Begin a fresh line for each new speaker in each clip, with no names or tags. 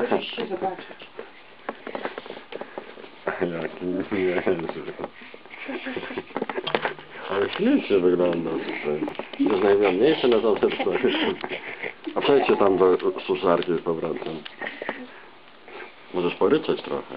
Możecie zobaczyć.
Jaki niezły. Ale ślicznie wygląda tutaj. Jest najmniejsze na zawsze tutaj. A przejdźcie tam do suszarki z powrotem. Możesz poryczeć trochę.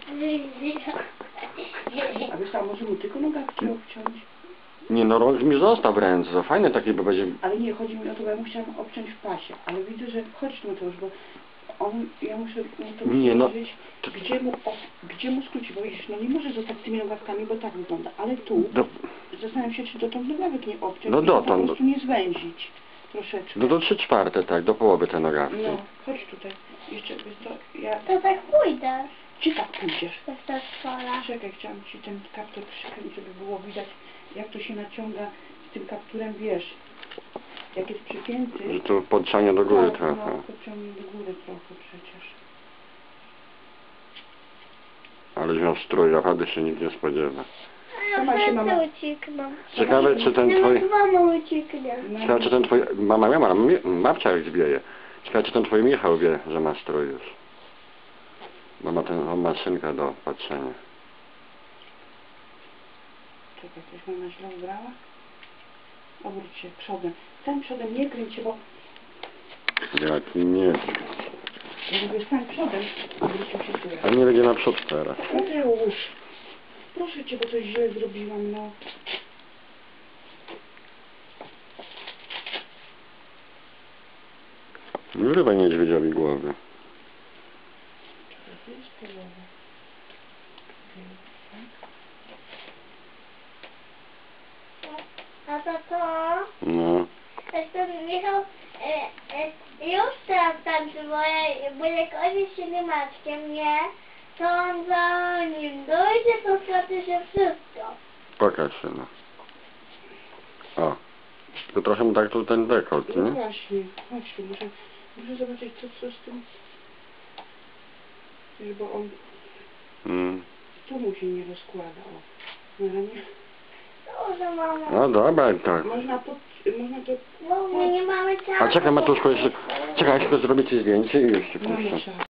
A wiesz tam, może mu tylko nogawki obciąć?
Nie no, rąk mi zostaw ręce, to fajne takie, bo będzie...
Ale nie, chodzi mi o to, bo ja musiałam obciąć w pasie. Ale widzę, że chodź tu już, bo on, ja muszę mu to
Nie, no.
powiedzieć, gdzie mu skrócić, bo widzisz, no nie może zostać z tymi nogawkami, bo tak wygląda. Ale tu, zastanawiam się, czy dotąd nogawek nie obciąć,
No
i
dotąd.
po prostu nie zwęzić troszeczkę.
No do 3/4, tak, do połowy te nogawki.
No, chodź tutaj. Jeszcze, wiesz to, ja...
To tak pójdę.
Gdzie tak pójdziesz?
To jest ta szkoła.
Czekaj, chciałam ci ten kaptur przykręcić, żeby było widać, jak to się naciąga z tym kapturem, wiesz, jak jest przypięty.
Że tu podciągnie do góry
tak,
trochę.
no, podciągnie do góry trochę przecież.
Ale miał strój, naprawdę się nikt nie spodziewa.
A
Sama się
ja
mama-
serce uciekną.
Ciekawe, czy ten twój...
Mama ucieknie.
Ciekawe, czy ten twój... Mama miała, babcia jak zbieje. Ciekawe, czy ten twój Michał wie, że ma strój już. Bo ma tę maszynkę do patrzenia.
Czekaj, coś mama źle ubrała? Obróć się przodem. Stań przodem, nie kręć się, bo...
Jaki nie.
Ja mówię, stań przodem. Obrócił się tyłem.
A nie będzie naprzód teraz.
Mateusz, proszę cię, bo coś źle zrobiłam, no.
Nie wyrywaj niedźwiedziowi głowy.
Czekaj, to jest połowa.
A to?
No.
Jestem Michał, już teraz tańczy, bo jak on jest siedemaczkiem, nie? To on zanim dojdzie, to straci się wszystko.
Pokaż się, no. O. To trochę mu tak tu ten dekolt,
No
nie?
właśnie, chodź tu, muszę zobaczyć, co z tym... Wiesz, bo on... Tu mu się nie rozkłada, o. No, ale nie...
Dobrze, mamo.
No dobra, tak.
Można to...
Bo my nie mamy czasu.
A czekaj, Matuszko, jeszcze... Czekaj, jeszcze zrobię ci zdjęcie i już ci
Mamy
puszczę.
czas.